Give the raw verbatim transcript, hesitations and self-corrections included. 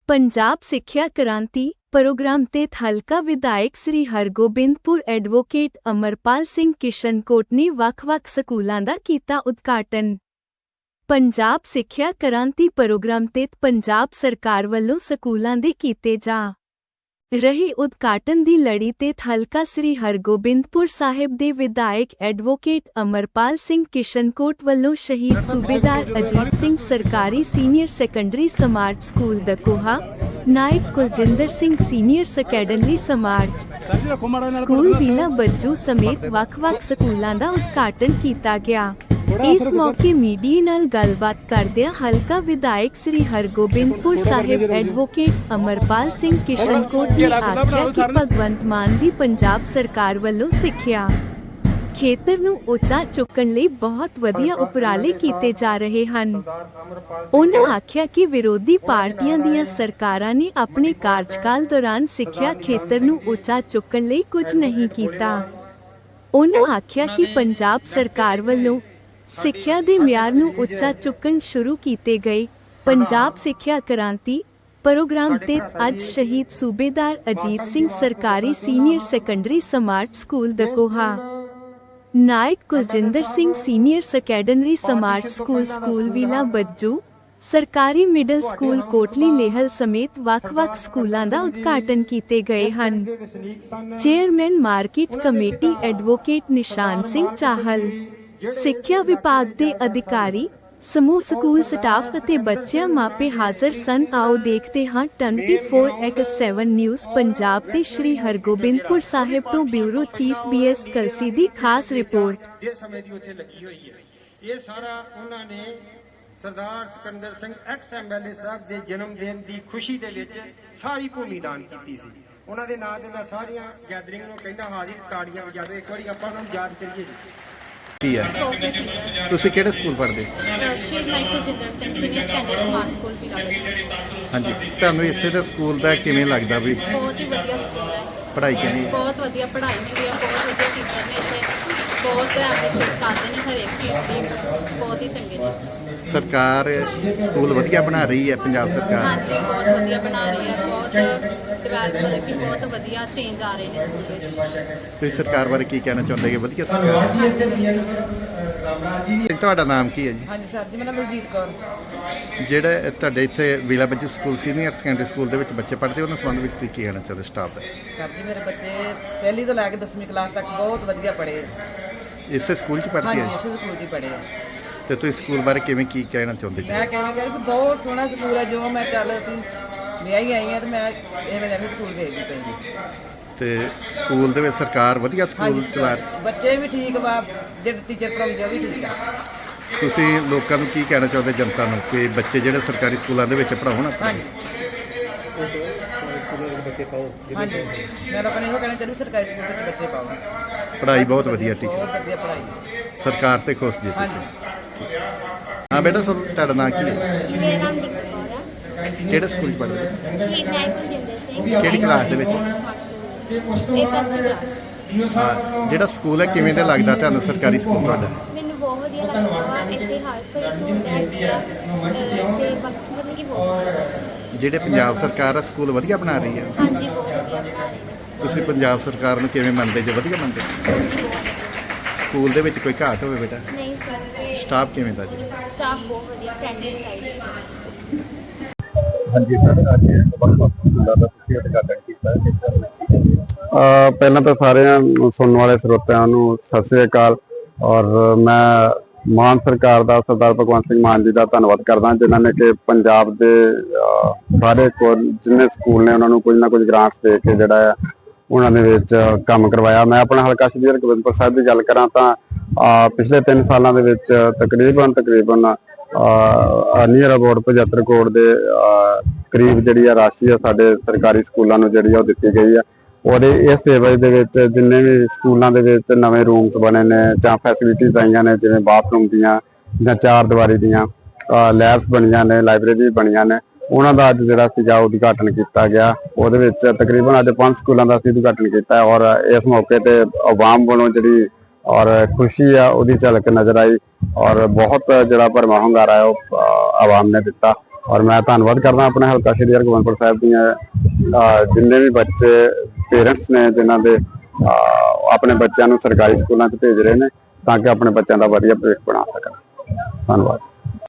ਪੰਜਾਬ ਸਿੱਖਿਆ ਕ੍ਰਾਂਤੀ ਪ੍ਰੋਗਰਾਮ ਤਹਿਤ ਹਲਕਾ ਵਿਧਾਇਕ ਸ੍ਰੀ ਹਰਗੋਬਿੰਦਪੁਰ ਐਡਵੋਕੇਟ ਅਮਰਪਾਲ ਸਿੰਘ ਕਿਸ਼ਨਕੋਟ ਨੇ ਵੱਖ-ਵੱਖ ਸਕੂਲਾਂ ਦਾ ਕੀਤਾ ਉਦਘਾਟਨ। ਪੰਜਾਬ ਸਿੱਖਿਆ ਕ੍ਰਾਂਤੀ ਪ੍ਰੋਗਰਾਮ ਤਹਿਤ ਪੰਜਾਬ ਸਰਕਾਰ ਵੱਲੋਂ ਸਕੂਲਾਂ ਦੇ ਕੀਤੇ ਜਾ ਰਹੇ ਉਦਘਾਟਨ ਦੀ ਲੜੀ ਤਹਿਤ ਹਲਕਾ ਸ੍ਰੀ ਹਰਗੋਬਿੰਦਪੁਰ ਸਾਹਿਬ ਦੇ ਵਿਧਾਇਕ ਐਡਵੋਕੇਟ ਅਮਰਪਾਲ ਸਿੰਘ ਕਿਸ਼ਨਕੋਟ ਵੱਲੋਂ ਸ਼ਹੀਦ ਸੂਬੇਦਾਰ ਅਜੀਤ ਸਿੰਘ ਸਰਕਾਰੀ senior secondary smart school Dakoha, ਨਾਇਬ Kuljinder Singh senior secondary smart school Vila Bajju ਸਮੇਤ ਵੱਖ-ਵੱਖ ਸਕੂਲਾਂ ਦਾ ਉਦਘਾਟਨ ਕੀਤਾ ਗਿਆ। ਇਸ ਮੌਕੇ ਮੀਡੀਆ ਨਾਲ ਗੱਲਬਾਤ ਕਰਦਿਆਂ ਹਲਕਾ ਵਿਧਾਇਕ ਸ੍ਰੀ ਹਰਗੋਬਿੰਦਪੁਰ ਸਾਹਿਬ ਐਡਵੋਕੇਟ ਅਮਰਪਾਲ ਸਿੰਘ ਕਿਸ਼ਨਕੋਟ ਨੇ ਆਖਿਆ ਕਿ ਭਗਵੰਤ ਮਾਨ ਦੀ ਪੰਜਾਬ ਸਰਕਾਰ ਵੱਲੋਂ ਸਿੱਖਿਆ ਖੇਤਰ ਨੂੰ ਉੱਚਾ ਚੁੱਕਣ ਲਈ ਬਹੁਤ ਵਧੀਆ ਉਪਰਾਲੇ ਕੀਤੇ ਜਾ ਰਹੇ ਹਨ। ਉਨ੍ਹਾਂ ਆਖਿਆ ਕਿ ਵਿਰੋਧੀ ਪਾਰਟੀਆਂ ਦੀਆਂ ਸਰਕਾਰਾਂ ਨੇ ਆਪਣੇ ਕਾਰਜਕਾਲ ਦੌਰਾਨ ਸਿੱਖਿਆ ਖੇਤਰ ਨੂੰ ਉੱਚਾ ਚੁੱਕਣ ਲਈ ਕੁਝ ਨਹੀਂ ਕੀਤਾ। ਉਨ੍ਹਾਂ ਆਖਿਆ ਕਿ ਪੰਜਾਬ ਸਰਕਾਰ ਵੱਲੋਂ ਸਿੱਖਿਆ ਦੇ ਮਿਆਰ ਨੂੰ ਉੱਚਾ ਚੁੱਕਣ ਸ਼ੁਰੂ ਕੀਤੇ ਗਏ। ਪੰਜਾਬ ਸਿੱਖਿਆ ਕ੍ਰਾਂਤੀ ਪ੍ਰੋਗਰਾਮ ਤਹਿਤ ਅੱਜ ਸ਼ਹੀਦ ਸੂਬੇਦਾਰ ਅਜੀਤ ਸਿੰਘ ਸਰਕਾਰੀ senior secondary smart school Dakoha, ਨਾਇਕ Kuljinder Singh senior secondary smart school school Vila Bajju, ਸਰਕਾਰੀ ਮਿਡਲ ਸਕੂਲ ਕੋਟਲੀ ਲੇਹਲ ਸਮੇਤ ਵੱਖ-ਵੱਖ ਸਕੂਲਾਂ ਦਾ ਉਦਘਾਟਨ ਕੀਤੇ ਗਏ ਹਨ। ਚੇਅਰਮੈਨ ਮਾਰਕੀਟ ਕਮੇਟੀ ਐਡਵੋਕੇਟ ਨਿਸ਼ਾਨ ਸਿੰਘ ਚਾਹਲ, ਸਿੱਖਿਆ ਵਿਭਾਗ ਦੇ ਅਧਿਕਾਰੀ, ਸਮੂਹ ਸਕੂਲ ਸਟਾਫ ਅਤੇ ਬੱਚਿਆਂ ਮਾਪੇ ਹਾਜ਼ਰ ਸਨ। ਆਓ ਦੇਖਦੇ ਹਾਂ ਚੌਵੀ ਬਾਈ ਸੱਤ ਨਿਊਜ਼ ਪੰਜਾਬ ਤੇ ਸ਼੍ਰੀ ਹਰਗੋਬਿੰਦਪੁਰ ਸਾਹਿਬ ਤੋਂ bureau chief B S Kalsi ਦੀ ਖਾਸ ਰਿਪੋਰਟ। ਜੇ ਸਮੇਂ ਦੀ ਉੱਥੇ ਲੱਗੀ ਹੋਈ ਹੈ, ਇਹ ਸਾਰਾ ਉਹਨਾਂ ਨੇ Sardar Sikandar Singh ex M L A Sahib ਦੇ ਜਨਮ ਦਿਨ ਦੀ ਖੁਸ਼ੀ ਦੇ ਵਿੱਚ ਸਾਰੀ ਭੂਮੀ ਦਾਨ ਕੀਤੀ ਸੀ। ਉਹਨਾਂ ਦੇ ਨਾਂ ਤੇ ਮੈਂ ਸਾਰੀਆਂ ਗੈਦਰਿੰਗ ਨੂੰ ਕਹਿੰਦਾ ਹਾਜ਼ਰ ਤਾੜੀਆਂ ਵਜਾ ਦਿਓ, ਇੱਕ ਵਾਰੀ ਆਪਾਂ ਉਹਨਾਂ ਨੂੰ ਯਾਦ ਕਰੀਏ। ਕੀ ਹੈ ਤੁਸੀਂ ਕਿਹੜੇ ਸਕੂਲ ਪੜ੍ਹਦੇ? ਸ਼ਹੀਦ ਨਾਇਕ Kuljinder Singh senior secondary smart school Vila Bajju. ਹਾਂਜੀ, ਤੁਹਾਨੂੰ ਇੱਥੇ ਦੇ ਸਕੂਲ ਦਾ ਕਿਵੇਂ ਲੱਗਦਾ ਵੀ? ਬਹੁਤ ਹੀ ਵਧੀਆ ਸਕੂਲ ਹੈ। ਪੜ੍ਹਾਈ ਕਿਵੇਂ? ਬਹੁਤ ਵਧੀਆ ਪੜ੍ਹਾਈ ਹੁੰਦੀ ਹੈ, ਬਹੁਤ ਵਧੀਆ ਟੀਚਰ ਨੇ ਇੱਥੇ, ਬਹੁਤ ਐਪਰੀਸ਼ੀਏਟ ਕਰਦੇ ਨੇ ਹਰੇਕ ਚੀਜ਼ ਲਈ, ਬਹੁਤ ਹੀ ਚੰਗੇ ਨੇ। ਸਰਕਾਰ ਸਕੂਲ ਵਧੀਆ ਬਣਾ ਰਹੀ ਹੈ ਪੰਜਾਬ ਸਰਕਾਰ? ਹਾਂਜੀ, ਬਹੁਤ ਵਧੀਆ ਬਣਾ ਰਹੀ ਹੈ, ਬਹੁਤ ਡਿਵੈਲਪ ਮਤਲਬ ਕਿ ਬਹੁਤ ਵਧੀਆ ਚੇਂਜ ਆ ਰਹੇ ਨੇ ਸਕੂਲ ਵਿੱਚ। ਤੁਸੀਂ ਸਰਕਾਰ ਬਾਰੇ ਕੀ ਕਹਿਣਾ ਚਾਹੁੰਦੇ ਕਿ ਵਧੀਆ ਸਰਕਾਰ? ਤੁਹਾਡਾ ਨਾਮ ਕੀ ਹੈ ਜੀ? ਹਾਂਜੀ ਸਰ ਜੀ, ਮੇਰਾ ਨਾਮ ਬਲਜੀਤ ਕੌਰ। ਜਿਹੜੇ ਤੁਹਾਡੇ ਇੱਥੇ Vila Bajju school senior secondary school ਦੇ ਵਿੱਚ ਬੱਚੇ ਪੜ੍ਹਦੇ, ਉਹਨਾਂ ਸੰਬੰਧ ਵਿੱਚ ਤੁਸੀਂ ਕੀ ਕਹਿਣਾ ਚਾਹੁੰਦੇ ਸਟਾਫ ਦਾ? ਸਰ ਜੀ, ਮੇਰੇ ਬੱਚੇ ਪਹਿਲੀ ਤੋਂ ਲੈ ਕੇ ਦਸਵੀਂ ਕਲਾਸ ਤੱਕ ਬਹੁਤ ਵਧੀਆ ਪੜ੍ਹੇ। ਇਸੇ ਸਕੂਲ 'ਚ ਪੜ੍ਹਦੇ ਹਾਂਜੀ, ਹੈ? ਇਸੇ ਸਕੂਲ 'ਚ ਹੀ ਪੜ੍ਹੇ। ਤੇ ਤੁਸੀਂ ਸਕੂਲ ਬਾਰੇ ਕਿਵੇਂ ਕੀ ਕਹਿਣਾ ਚਾਹੁੰਦੇ ਜੀ? ਮੈਂ ਕਹਿੰਦਾ ਕਿ ਬਹੁਤ ਸੋਹਣਾ ਸਕੂਲ ਹੈ। ਜੋ ਮੈਂ ਚੱਲ ਵੀ ਵਿਆਹੀ ਆਈ ਹਾਂ ਤੇ ਮੈਂ ਇਹ ਮੈਂ ਸਕੂਲ ਵੇਖਦੀ ਪਈ। ਤੇ ਸਕੂਲ ਦੇ ਵਿੱਚ ਸਰਕਾਰ ਵਧੀਆ ਸਕੂਲ ਚਲਾ ਰਹੀ? ਬੱਚੇ ਵੀ ਠੀਕ ਵਾ, ਜਿਹੜੇ ਟੀਚਰ ਪੜ੍ਹਾਉਂਦੇ ਉਹ ਵੀ ਠੀਕ ਆ। ਤੁਸੀਂ ਲੋਕਾਂ ਨੂੰ ਕੀ ਕਹਿਣਾ ਚਾਹੁੰਦੇ, ਜਨਤਾ ਨੂੰ, ਕਿ ਬੱਚੇ ਜਿਹੜੇ ਸਰਕਾਰੀ ਸਕੂਲਾਂ ਦੇ ਵਿੱਚ ਪੜ੍ਹਾਉਣ? ਹਾਂਜੀ ਹਾਂਜੀ, ਮੈਂ ਲੋਕਾਂ ਨੂੰ ਇਹੋ ਕਹਿਣਾ ਚਾਹੁੰਦੀ ਸਰਕਾਰੀ ਸਕੂਲ ਵਿੱਚ ਬੱਚੇ ਪਾਓ। ਪੜ੍ਹਾਈ ਬਹੁਤ ਵਧੀਆ, ਟੀਚਰ ਬਹੁਤ ਵਧੀਆ ਪੜ੍ਹਾਈ, ਸਰਕਾਰ ਤੇ ਖੁਸ਼ ਜੀ ਤੁਸੀਂ? ਹਾਂਜੀ। ਹਾਂ ਬੇਟਾ, ਸਭ ਤੁਹਾਡਾ ਨਾਂ ਕੀ ਹੈ? ਮੇਰਾ ਨਾਮ ਦੀਪਕ ਕੌਰ ਹੈ। ਕਿਹੜੇ ਸਕੂਲ 'ਚ ਪੜ੍ਹਦੇ? ਸ਼ਹੀਦ ਨਾਇਕ ਕੁਲਜਿੰਦਰ ਸਿੰਘ। ਕਿਹੜੀ ਕਲਾਸ ਦੇ ਵਿੱਚ? ਇਹ ਪਲੱਸ ਟੂ ਕਲਾਸ। ਹਾਂ, ਜਿਹੜਾ ਸਕੂਲ ਹੈ ਕਿਵੇਂ ਦਾ ਲੱਗਦਾ ਤੁਹਾਨੂੰ, ਸਰਕਾਰੀ ਸਕੂਲ ਤੁਹਾਡਾ? ਮੈਨੂੰ ਬਹੁਤ ਵਧੀਆ ਲੱਗਦਾ ਵਾ। ਇੱਥੇ ਹਰ ਕੋਈ ਸਹੂਲਤ ਹੈਗੀ ਆ ਤੇ ਬਾਕੀ ਮਤਲਬ ਕਿ ਬਹੁਤ ਜਿਹੜੇ ਪੰਜਾਬ ਸਰਕਾਰ ਆ ਸਕੂਲ ਵਧੀਆ ਬਣਾ ਰਹੀ ਹੈ? ਹਾਂਜੀ, ਬਹੁਤ ਵਧੀਆ ਬਣਾ ਰਹੇ ਨੇ। ਤੁਸੀਂ ਪੰਜਾਬ ਸਰਕਾਰ ਨੂੰ ਕਿਵੇਂ ਮੰਨਦੇ ਜੇ? ਵਧੀਆ ਮੰਨਦੇ? ਸਕੂਲ ਦੇ ਵਿੱਚ ਕੋਈ ਘਾਟ ਹੋਵੇ ਬੇਟਾ? ਨਹੀਂ ਸਰ, ਸਟਾਫ ਕਿਵੇਂ ਦਾ ਜੀ? ਸਟਾਫ ਬਹੁਤ ਵਧੀਆ, ਫਰੈਂਡਲੀ ਸਾਈਡ। ਹਾਂਜੀ ਸਰ, ਅੱਜ ਵੱਖ-ਵੱਖ ਸਕੂਲਾਂ ਦਾ ਤੁਸੀਂ ਉਦਘਾਟਨ ਕੀਤਾ ਹੈ। ਪਹਿਲਾਂ ਤਾਂ ਸਾਰਿਆਂ ਸੁਣਨ ਵਾਲੇ ਸਰੋਤਿਆਂ ਨੂੰ ਸਤਿ ਸ੍ਰੀ ਅਕਾਲ। ਔਰ ਮੈਂ ਮਾਨ ਸਰਕਾਰ ਦਾ, ਸਰਦਾਰ ਭਗਵੰਤ ਸਿੰਘ ਮਾਨ ਜੀ ਦਾ ਧੰਨਵਾਦ ਕਰਦਾ, ਜਿਨ੍ਹਾਂ ਨੇ ਕਿ ਪੰਜਾਬ ਦੇ ਸਾਰੇ ਕੋਲ ਜਿੰਨੇ ਸਕੂਲ ਨੇ ਉਹਨਾਂ ਨੂੰ ਕੁਝ ਨਾ ਕੁਝ ਗ੍ਰਾਂਟਸ ਦੇ ਕੇ ਜਿਹੜਾ ਆ ਉਹਨਾਂ ਦੇ ਵਿੱਚ ਕੰਮ ਕਰਵਾਇਆ। ਮੈਂ ਆਪਣਾ ਹਲਕਾ ਸ਼੍ਰੀ ਹਰਗੋਬਿੰਦਪੁਰ ਸਾਹਿਬ ਦੀ ਗੱਲ ਕਰਾਂ ਤਾਂ ਪਿਛਲੇ ਤਿੰਨ ਸਾਲਾਂ ਦੇ ਵਿੱਚ ਤਕਰੀਬਨ ਤਕਰੀਬਨ ਨੀਅਰ ਅਬਾਊਟ ਪਝੱਤਰ ਕਰੋੜ ਦੇ ਕਰੀਬ ਜਿਹੜੀ ਆ ਰਾਸ਼ੀ ਆ ਸਾਡੇ ਸਰਕਾਰੀ ਸਕੂਲਾਂ ਨੂੰ ਜਿਹੜੀ ਆ ਉਹ ਦਿੱਤੀ ਗਈ ਆ। ਔਰ ਇਸ ਸੇਵਾ ਦੇ ਵਿੱਚ ਜਿੰਨੇ ਵੀ ਸਕੂਲਾਂ ਦੇ ਵਿੱਚ ਨਵੇਂ ਰੂਮਸ ਬਣੇ ਨੇ ਜਾਂ ਫੈਸਿਲਿਟੀਜ਼ ਆਈਆਂ ਨੇ, ਜਿਵੇਂ ਬਾਥਰੂਮ ਦੀਆਂ ਜਾਂ ਚਾਰ ਦੀਵਾਰੀ ਦੀਆਂ ਲੈਬਸ ਬਣੀਆਂ ਨੇ, ਲਾਇਬ੍ਰੇਰੀ ਬਣੀਆਂ ਨੇ, ਉਹਨਾਂ ਦਾ ਅੱਜ ਜਿਹੜਾ ਸੀਗਾ ਉਦਘਾਟਨ ਕੀਤਾ ਗਿਆ। ਉਹਦੇ ਵਿੱਚ ਤਕਰੀਬਨ ਅੱਜ ਪੰਜ ਸਕੂਲਾਂ ਦਾ ਅਸੀਂ ਉਦਘਾਟਨ ਕੀਤਾ ਔਰ ਇਸ ਮੌਕੇ ਤੇ ਆਵਾਮ ਵੱਲੋਂ ਜਿਹੜੀ ਔਰ ਖੁਸ਼ੀ ਆ ਉਹਦੀ ਝਲਕ ਨਜ਼ਰ ਆਈ ਔਰ ਬਹੁਤ ਜਿਹੜਾ ਭਰਵਾਂ ਹੁੰਗਾਰਾ ਹੈ ਉਹ ਆਵਾਮ ਨੇ ਦਿੱਤਾ। ਔਰ ਮੈਂ ਧੰਨਵਾਦ ਕਰਦਾ ਆਪਣੇ ਹਲਕਾ ਸ਼੍ਰੀ ਹਰਗੋਬਿੰਦਪੁਰ ਸਾਹਿਬ ਦੀਆਂ ਅਹ, ਜਿੰਨੇ ਵੀ ਬੱਚੇ ਪੇਰੈਂਟਸ ਨੇ ਜਿਨ੍ਹਾਂ ਦੇ ਅਹ, ਆਪਣੇ ਬੱਚਿਆਂ ਨੂੰ ਸਰਕਾਰੀ ਸਕੂਲਾਂ 'ਚ ਭੇਜ ਰਹੇ ਨੇ ਤਾਂ ਕਿ ਆਪਣੇ ਬੱਚਿਆਂ ਦਾ ਵਧੀਆ ਭਵਿੱਖ ਬਣਾ ਸਕਣ। ਧੰਨਵਾਦ।